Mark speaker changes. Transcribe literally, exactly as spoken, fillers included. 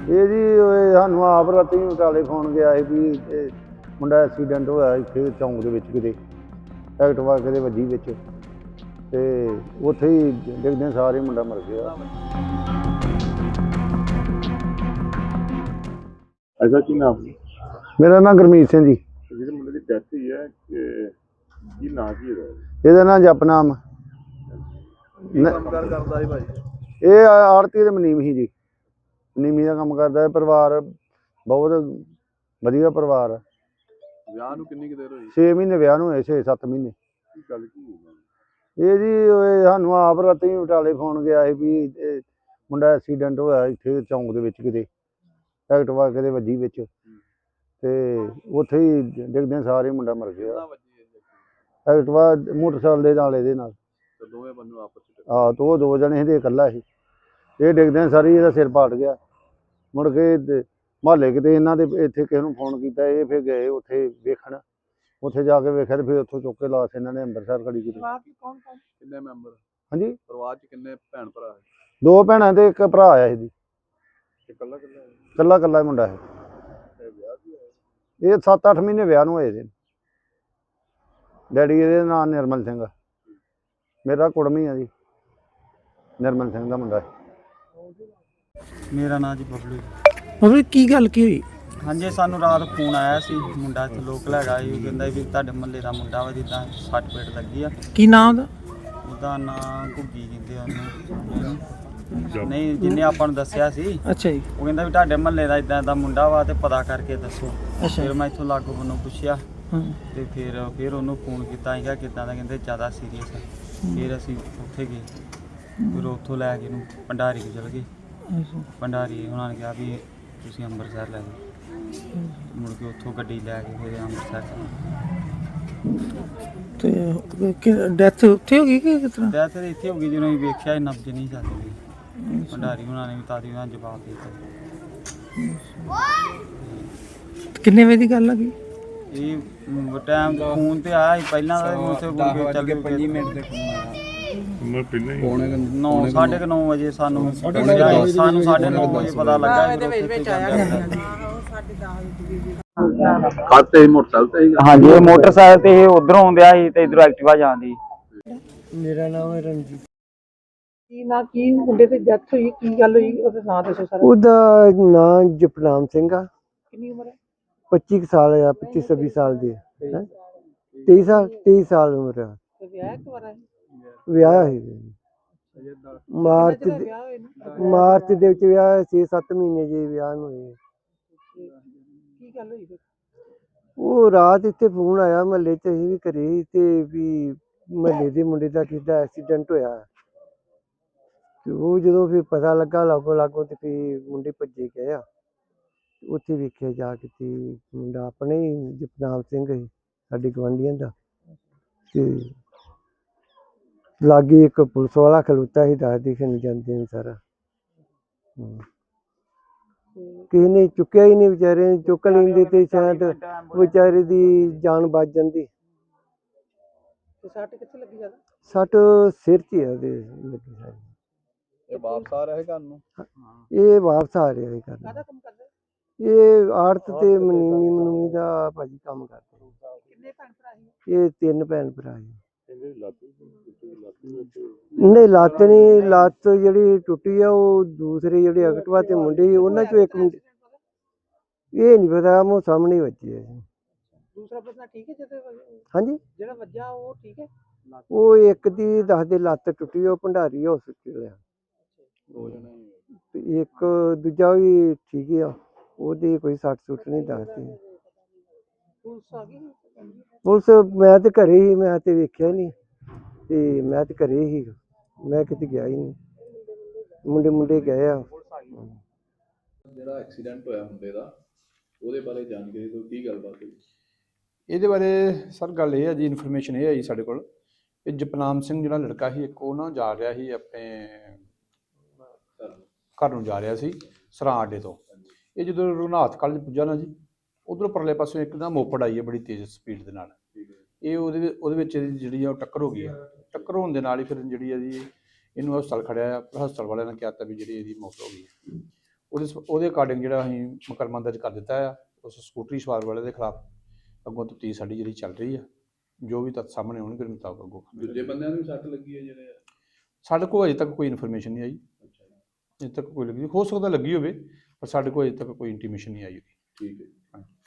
Speaker 1: ਇਹ ਜੀ ਇਹ ਸਾਨੂੰ ਆਪ ਰਾਤੀ ਬਟਾਲੇ ਫੋਨ ਗਿਆ ਸੀ ਵੀ ਇਹ ਮੁੰਡਾ ਐਕਸੀਡੈਂਟ ਹੋਇਆ ਇੱਥੇ ਚੌਂਕ ਦੇ ਵਿੱਚ ਕਿਤੇ ਐਕਟਿਵਾ ਕਿਤੇ ਵੱਜੀ ਵਿੱਚ ਤੇ ਉੱਥੇ ਹੀ ਡਿੱਗਦੇ ਸਾਰੇ ਮੁੰਡਾ ਮਰ ਗਿਆ।
Speaker 2: ਐਸਾ ਕੀ ਨਾਮ?
Speaker 1: ਮੇਰਾ ਨਾਮ ਗੁਰਮੀਤ ਸਿੰਘ ਜੀ।
Speaker 2: ਜਿਹੜੇ ਮੁੰਡੇ ਦੀ ਡੈਥ ਹੋਈ ਹੈ ਕੀ ਨਾਂ ਕੀ ਇਹਦਾ?
Speaker 1: ਇਹਦਾ ਨਾਂ ਜਪਨਾਮ।
Speaker 2: ਕੰਮ ਕਾਰ ਕਰਦਾ ਸੀ ਭਾਈ?
Speaker 1: ਇਹ ਆੜਤੀ ਦੇ ਮਨੀਮ ਹੀ ਜੀ, ਮਨੀਮੀ ਦਾ ਕੰਮ ਕਰਦਾ ਹੈ। ਪਰਿਵਾਰ ਬਹੁਤ ਵਧੀਆ ਪਰਿਵਾਰ ਆ।
Speaker 2: ਵਿਆਹ ਨੂੰ ਕਿੰਨੀ ਕੁ ਦੇਰ ਹੋਈ?
Speaker 1: ਛੇ ਮਹੀਨੇ ਵਿਆਹ ਨੂੰ ਹੋਏ, ਛੇ ਸੱਤ ਮਹੀਨੇ।
Speaker 2: ਕੀ ਗੱਲ ਕੀ ਹੋਈ?
Speaker 1: ਇਹ ਜੀ ਇਹ ਸਾਨੂੰ ਆਪ ਰਾਤੀ ਬਟਾਲੇ ਫੋਨ ਗਿਆ ਸੀ ਵੀ ਇਹ ਮੁੰਡਾ ਐਕਸੀਡੈਂਟ ਹੋਇਆ ਇੱਥੇ ਚੌਂਕ ਦੇ ਵਿੱਚ ਕਿਤੇ ਐਕਟਿਵਾ ਕਿਤੇ ਵੱਜੀ ਵਿੱਚ ਤੇ ਉੱਥੇ ਹੀ ਡਿੱਗਦੇ ਸਾਰੇ ਮੁੰਡਾ ਮਰ ਗਿਆ। ਐਕਟਿਵਾ ਮੋਟਰਸਾਈਕਲ ਦੇ ਨਾਲ ਇਹਦੇ ਨਾਲ
Speaker 2: ਦੋਵੇਂ ਬੰਦੇ ਆਪਸ ਵਿੱਚ
Speaker 1: ਆਹ ਤੋਂ ਦੋ ਜਣੇ ਇਹਦੇ ਇਕੱਲਾ ਸੀ। ਇਹ ਡਿੱਗਦਿਆਂ ਸਾਰੀ ਇਹਦਾ ਸਿਰ ਪਾਟ ਗਿਆ। ਮੁੜ ਕੇ ਮੁਹੱਲੇ ਕਿਤੇ ਇਹਨਾਂ ਦੇ ਇੱਥੇ ਕਿਸੇ ਨੂੰ ਫੋਨ ਕੀਤਾ, ਇਹ ਫਿਰ ਗਏ ਉੱਥੇ ਵੇਖਣ। ਉੱਥੇ ਜਾ ਕੇ ਵੇਖਿਆ ਤੇ ਫਿਰ ਉੱਥੋਂ ਚੁੱਕ ਕੇ ਲਾਸ਼ ਇਹਨਾਂ ਨੇ ਅੰਮ੍ਰਿਤਸਰ ਖੜੀ ਕੀਤੀ।
Speaker 2: ਕਿੰਨੇ ਮੈਂਬਰ?
Speaker 1: ਹਾਂਜੀ,
Speaker 2: ਪਰਿਵਾਰ ਚ ਕਿੰਨੇ ਭੈਣ ਭਰਾ ਹੈ?
Speaker 1: ਦੋ ਭੈਣਾਂ ਤੇ ਇੱਕ ਭਰਾ ਆਇਆ ਇਹਦੀ।
Speaker 2: ਇਕੱਲਾ ਇਕੱਲਾ
Speaker 1: ਇਕੱਲਾ ਇਕੱਲਾ ਮੁੰਡਾ ਹੈ।
Speaker 2: ਵਿਆਹ ਵੀ ਹੋਇਆ?
Speaker 1: ਇਹ ਸੱਤ ਅੱਠ ਮਹੀਨੇ ਵਿਆਹ ਨੂੰ ਹੋਏ ਦੇ। ਡੈਡੀ ਇਹਦੇ ਨਾਂ ਨਿਰਮਲ ਸਿੰਘ। ਮੇਰਾ ਕੁੜਮੀ ਆ ਜੀ, ਨਿਰਮਲ ਸਿੰਘ ਦਾ ਮੁੰਡਾ ਹੈ।
Speaker 3: ਮੇਰਾ ਨਾਂ ਜੀ ਬਬਲੂ।
Speaker 4: ਬਬਲੂ ਕੀ ਗੱਲ ਕੀ ਹੋਈ?
Speaker 3: ਹਾਂਜੀ, ਸਾਨੂੰ ਰਾਤ ਫੋਨ ਆਇਆ ਸੀ, ਮੁੰਡਾ ਇੱਥੇ ਲੋਕਲ ਹੈਗਾ ਸੀ। ਉਹ ਕਹਿੰਦਾ ਵੀ ਤੁਹਾਡੇ ਮੁਹੱਲੇ ਦਾ ਮੁੰਡਾ ਵਾ ਜਿੱਦਾਂ ਸੱਟ ਪੇਟ ਲੱਗੀ ਆ।
Speaker 4: ਕੀ ਨਾਮ ਉਹਦਾ?
Speaker 3: ਉਹਦਾ ਨਾਂ ਘੁੱਗੀ ਕਹਿੰਦੇ ਆ ਉਹਨੂੰ। ਨਹੀਂ, ਜਿਹਨੇ ਆਪਾਂ ਨੂੰ ਦੱਸਿਆ ਸੀ
Speaker 4: ਅੱਛਾ ਜੀ।
Speaker 3: ਉਹ ਕਹਿੰਦਾ ਵੀ ਤੁਹਾਡੇ ਮੁਹੱਲੇ ਦਾ ਇਦਾਂ ਦਾ ਮੁੰਡਾ ਵਾ ਤੇ ਪਤਾ ਕਰਕੇ ਦੱਸੋ।
Speaker 4: ਅੱਛਾ।
Speaker 3: ਫਿਰ ਮੈਂ ਇੱਥੋਂ ਲਾਗੋਂ ਬੰਨੋਂ ਪੁੱਛਿਆ
Speaker 4: ਹਾਂ।
Speaker 3: ਤੇ ਫਿਰ ਫਿਰ ਉਹਨੂੰ ਫੋਨ ਕੀਤਾ ਸੀਗਾ ਕਿੱਦਾਂ ਦਾ, ਕਹਿੰਦੇ ਜ਼ਿਆਦਾ ਸੀਰੀਅਸ ਹੈ। ਫਿਰ ਅਸੀਂ ਉੱਥੇ ਗਏ, ਫਿਰ ਉੱਥੋਂ ਲੈ ਕੇ ਇਹਨੂੰ ਭੰਡਾਰੀ ਕੋਲ ਚਲ ਗਏ। ਭੰਡਾਰੀ ਉਹਨਾਂ ਨੇ ਕਿਹਾ ਵੀ ਤੁਸੀਂ ਅੰਮ੍ਰਿਤਸਰ ਲੈ ਜਾਓ। ਮੁੜ ਕੇ ਉੱਥੋਂ ਗੱਡੀ ਲੈ ਕੇ ਫਿਰ ਅੰਮ੍ਰਿਤਸਰ
Speaker 4: ਤੇ ਡੈਥ ਉੱਥੇ ਹੋ ਗਈ ਕਿ ਕਿਸ ਤਰ੍ਹਾਂ?
Speaker 3: ਡੈਥ ਤੇ ਇੱਥੇ ਹੋ ਗਈ ਜਦੋਂ ਅਸੀਂ ਵੇਖਿਆ ਨਬਜ਼ ਨਹੀਂ ਚੱਲਦੀ। ਭੰਡਾਰੀ ਉਹਨਾਂ ਨੇ ਵੀ ਤਾਦੀ ਉਹਨਾਂ ਜਵਾਬ ਦੇ ਦਿੱਤਾ।
Speaker 4: ਕਿੰਨੇ ਵਜੇ ਦੀ ਗੱਲ ਆ ਗਈ?
Speaker 3: ਇਹ ਟਾਈਮ ਫੋਨ ਤੇ ਆਇਆ ਸੀ ਪਹਿਲਾਂ ਦਾ, ਉੱਥੇ ਮੁੜ ਕੇ ਚੱਲ ਗਏ ਪੰਜ ਮਿੰਟ ਦੇ ਫੋਨ ਆਇਆ।
Speaker 2: ਮੈਂ ਪਹਿਲਾਂ ਹੀ
Speaker 3: ਨੌ ਸਾਢੇ ਕੁ ਨੌ ਵਜੇ ਸਾਨੂੰ ਸਾਨੂੰ ਸਾਢੇ ਨੌ ਵਜੇ ਪਤਾ ਲੱਗਾ।
Speaker 2: ਖਾਤੇ ਮੋਟਰਸਾਈਕਲ ਤੇ?
Speaker 3: ਹਾਂਜੀ, ਇਹ ਮੋਟਰਸਾਈਕਲ ਤੇ ਇਹ ਉਧਰੋਂ ਆਉਂਦਿਆ ਸੀ ਤੇ ਇਧਰੋਂ ਐਕਟਿਵਾ ਜਾਂਦੀ।
Speaker 4: ਮੇਰਾ ਨਾਮ ਹੈ ਰਣਜੀਤ।
Speaker 5: ਕੀ ਨਾ ਕੀ ਮੁੰਡੇ ਤੇ ਡੈਥ ਹੋਈ, ਕੀ ਗੱਲ ਹੋਈ, ਉਹਦਾ ਨਾਂ ਦੱਸੋ ਸਾਰਾ।
Speaker 4: ਉਹਦਾ ਨਾਂ ਜਪਨਾਮ ਸਿੰਘ ਆ।
Speaker 5: ਕਿੰਨੀ ਉਮਰ ਹੈ?
Speaker 4: ਪੱਚੀ ਕੁ ਸਾਲ ਆ, ਪੱਚੀ ਛੱਬੀ ਸਾਲ ਦੀ ਹੈ। ਤੇਈ ਸਾਲ ਤੇਈ ਸਾਲ ਉਮਰ ਆ।
Speaker 5: ਤੇ ਵਿਆਹ ਕਿਵਾਰਾ ਹੈ?
Speaker 4: ਵਿਆਹ ਹੈ ਮਾਰਚ
Speaker 5: ਕਿੰਨਾ ਚਿਰ
Speaker 4: ਦੇ
Speaker 5: ਵਿਆਹ ਹੋਏ ਨੂੰ?
Speaker 4: ਮਾਰਚ ਦੇ ਵਿੱਚ ਵਿਆਹ ਛੇ ਸੱਤ ਮਹੀਨੇ ਜੀ ਵਿਆਹ ਨੂੰ ਹੋਏ।
Speaker 5: ਕੀ ਗੱਲ ਹੋਈ ਫਿਰ?
Speaker 4: ਉਹ ਰਾਤ ਇੱਥੇ ਫੋਨ ਆਇਆ ਮਹੱਲੇ 'ਚ, ਅਸੀਂ ਵੀ ਘਰੇ ਸੀ ਤੇ ਵੀ ਮਹੱਲੇ ਦੇ ਮੁੰਡੇ ਦਾ ਕਿਸਦਾ ਐਕਸੀਡੈਂਟ ਹੋਇਆ। ਤੇ ਉਹ ਜਦੋਂ ਫਿਰ ਪਤਾ ਲੱਗਾ ਲਾਗੋ ਲਾਗੋ ਤੇ ਫਿਰ ਮੁੰਡੇ ਭੱਜੇ ਗਏ ਆ। ਉੱਥੇ ਵੇਖਿਆ ਜਾ ਕੇ ਤੇ ਮੁੰਡਾ ਆਪਣੇ ਹੀ ਜਪਨਾਮ ਸਿੰਘ ਸੀ, ਸਾਡੇ ਗੁਆਂਢੀਆਂ ਦਾ। ਤੇ ਲਾਗੇ ਇੱਕ ਪੁਲਿਸ ਵਾਲਾ ਖਲੋਤਾ ਸੀ, ਦੱਸ ਦਿਖਣ ਜਾਂਦੇ ਨੇ ਸਾਰਾ। ਕਿਸੇ ਨੇ ਚੁੱਕਿਆ ਹੀ ਨਹੀਂ, ਵਿਚਾਰੇ ਨੇ ਚੁੱਕ ਲੈਂਦੇ ਤੇ ਸ਼ਾਇਦ ਵਿਚਾਰੇ ਦੀ ਜਾਨ ਬਚ ਜਾਂਦੀ।
Speaker 5: ਤੇ ਸੱਟ ਕਿੱਥੇ ਲੱਗੀ ਜ਼ਿਆਦਾ?
Speaker 4: ਸੱਟ ਸਿਰ 'ਚ ਹੀ ਆ ਉਹਦੇ ਲੱਗੀ ਸਾਰੀ।
Speaker 2: ਇਹ ਵਾਪਸ ਆ ਰਿਹਾ ਘਰ ਨੂੰ?
Speaker 4: ਇਹ ਵਾਪਸ ਆ ਰਿਹਾ ਇਹ ਕਰਨਾ।
Speaker 5: ਕਾਹਦਾ ਕੰਮ ਕਰਦਾ?
Speaker 4: ਇਹ ਆੜਤ ਤੇ ਮਨੀਮੀ ਮਨੂਮੀ ਦਾ ਭਾਜੀ ਕੰਮ ਕਰਦੇ।
Speaker 5: ਕਿੰਨੇ ਭੈਣ ਭਰਾ ਸੀ?
Speaker 4: ਇਹ ਤਿੰਨ ਭੈਣ ਭਰਾ ਜੀ। ਨਹੀਂ, ਲੱਤ ਨਹੀਂ, ਲੱਤ ਜਿਹੜੀ ਟੁੱਟੀ ਆ ਉਹ ਦੂਸਰੇ ਜਿਹੜੇ ਐਕਟਿਵਾ ਤੇ ਮੁੰਡੇ ਸੀ ਉਹਨਾਂ ਚੋਂ ਇੱਕ ਮੁੰਡੇ, ਇਹ ਨਹੀਂ ਪਤਾ, ਮੂੰਹ ਸਾਹਮਣੇ ਵੱਜੀ ਹੈ।
Speaker 5: ਦੂਸਰਾ ਬੰਦਾ ਠੀਕ ਹੈ ਜਿਹਦੇ?
Speaker 4: ਹਾਂਜੀ,
Speaker 5: ਜਿਹੜਾ ਵੱਜਾ ਉਹ ਠੀਕ ਹੈ?
Speaker 4: ਉਹ ਇੱਕ ਦੀ ਦੱਸਦੇ ਲੱਤ ਟੁੱਟੀ, ਉਹ ਭੰਡਾਰੀ ਹਸਪੀਟਲ ਆ। ਤੇ ਇੱਕ ਦੂਜਾ ਵੀ ਠੀਕ ਹੀ ਆ, ਉਹਦੀ ਕੋਈ ਸੱਟ ਸੁੱਟ ਨਹੀਂ ਦੱਸਦੀ।
Speaker 5: ਪੁਲਿਸ ਆ ਗਈ?
Speaker 4: ਪੁਲਿਸ ਮੈਂ ਤੇ ਘਰੇ ਹੀ, ਮੈਂ ਤੇ ਵੇਖਿਆ ਨਹੀਂ ਤੇ ਮੈਂ ਤੇ ਘਰੇ ਹੀ, ਮੈਂ ਕਿਤੇ ਗਿਆ ਹੀ ਨਹੀਂ। ਮੁੰਡੇ ਮੁੰਡੇ ਗਏ ਆ।
Speaker 2: ਜਿਹੜਾ ਐਕਸੀਡੈਂਟ ਹੋਇਆ ਮੁੰਡੇ ਦਾ, ਉਹਦੇ ਬਾਰੇ ਜਾਣਕਾਰੀ ਦਿਓ, ਕੀ ਗੱਲਬਾਤ ਹੋਈ?
Speaker 6: ਇਹਦੇ ਬਾਰੇ ਸਰ ਗੱਲ ਇਹ ਹੈ ਜੀ, ਇਨਫੋਰਮੇਸ਼ਨ ਇਹ ਆਈ ਸਾਡੇ ਕੋਲ ਕਿ ਜਪਨਾਮ ਸਿੰਘ ਜਿਹੜਾ ਲੜਕਾ ਸੀ ਇੱਕ, ਉਹ ਨਾ ਜਾ ਰਿਹਾ ਸੀ ਆਪਣੇ ਘਰ ਨੂੰ ਜਾ ਰਿਹਾ ਸੀ ਸਰਾਂ ਅੱਡੇ ਤੋਂ। ਇਹ ਜਦੋਂ ਰਘੁਨਾਥ ਕਾਲਜ ਪੁੱਜਾ ਨਾ ਜੀ, ਉਧਰੋਂ ਪਰਲੇ ਪਾਸੋਂ ਇੱਕ ਨਾ ਮੋਪੜ ਆਈ ਹੈ ਬੜੀ ਤੇਜ਼ ਸਪੀਡ ਦੇ ਨਾਲ। ਇਹ ਉਹਦੇ ਉਹਦੇ ਵਿੱਚ ਜਿਹੜੀ ਆ ਉਹ ਟੱਕਰ ਹੋ ਗਈ ਹੈ। ਟੱਕਰ ਹੋਣ ਦੇ ਨਾਲ ਹੀ ਫਿਰ ਜਿਹੜੀ ਹੈ ਜੀ ਇਹਨੂੰ ਹਸਪਤਾਲ ਖੜਿਆ ਆ। ਹਸਪਤਾਲ ਵਾਲਿਆਂ ਨੇ ਕਿਹਾ ਤਾਂ ਵੀ ਜਿਹੜੀ ਇਹਦੀ ਮੌਤ ਹੋ ਗਈ ਹੈ। ਉਹਦੇ ਸ- ਉਹਦੇ ਅਕਾਰਡਿੰਗ ਜਿਹੜਾ ਅਸੀਂ ਮੁਕੱਦਮਾ ਦਰਜ ਕਰ ਦਿੱਤਾ ਆ ਉਸ ਸਕੂਟਰੀ ਸਵਾਰ ਵਾਲੇ ਦੇ ਖਿਲਾਫ। ਅੱਗੋਂ ਤਫਤੀਸ਼ ਸਾਡੀ ਜਿਹੜੀ ਚੱਲ ਰਹੀ ਆ, ਜੋ ਵੀ ਤੱਥ ਸਾਹਮਣੇ ਆਉਣਗੇ ਉਹਦੇ ਮੁਤਾਬਕ ਅੱਗੋਂ
Speaker 2: ਦੂਜੇ ਬੰਦਿਆਂ ਨੂੰ ਵੀ ਸੱਟ ਲੱਗੀ ਹੈ ਜਿਹੜੇ?
Speaker 6: ਸਾਡੇ ਕੋਲ ਅਜੇ ਤੱਕ ਕੋਈ ਇਨਫੋਰਮੇਸ਼ਨ ਨਹੀਂ ਆਈ।
Speaker 2: ਅੱਛਾ ਜੀ,
Speaker 6: ਅਜੇ ਤੱਕ ਕੋਈ ਲੱਗੀ, ਹੋ ਸਕਦਾ ਲੱਗੀ ਹੋਵੇ, ਪਰ ਸਾਡੇ ਕੋਲ ਅਜੇ ਤੱਕ ਕੋਈ ਇੰਟੀਮੇਸ਼ਨ ਨਹੀਂ ਆਈ ਉਹਦੀ।
Speaker 2: ਠੀਕ ਹੈ ਜੀ।
Speaker 6: ਹਾਂਜੀ।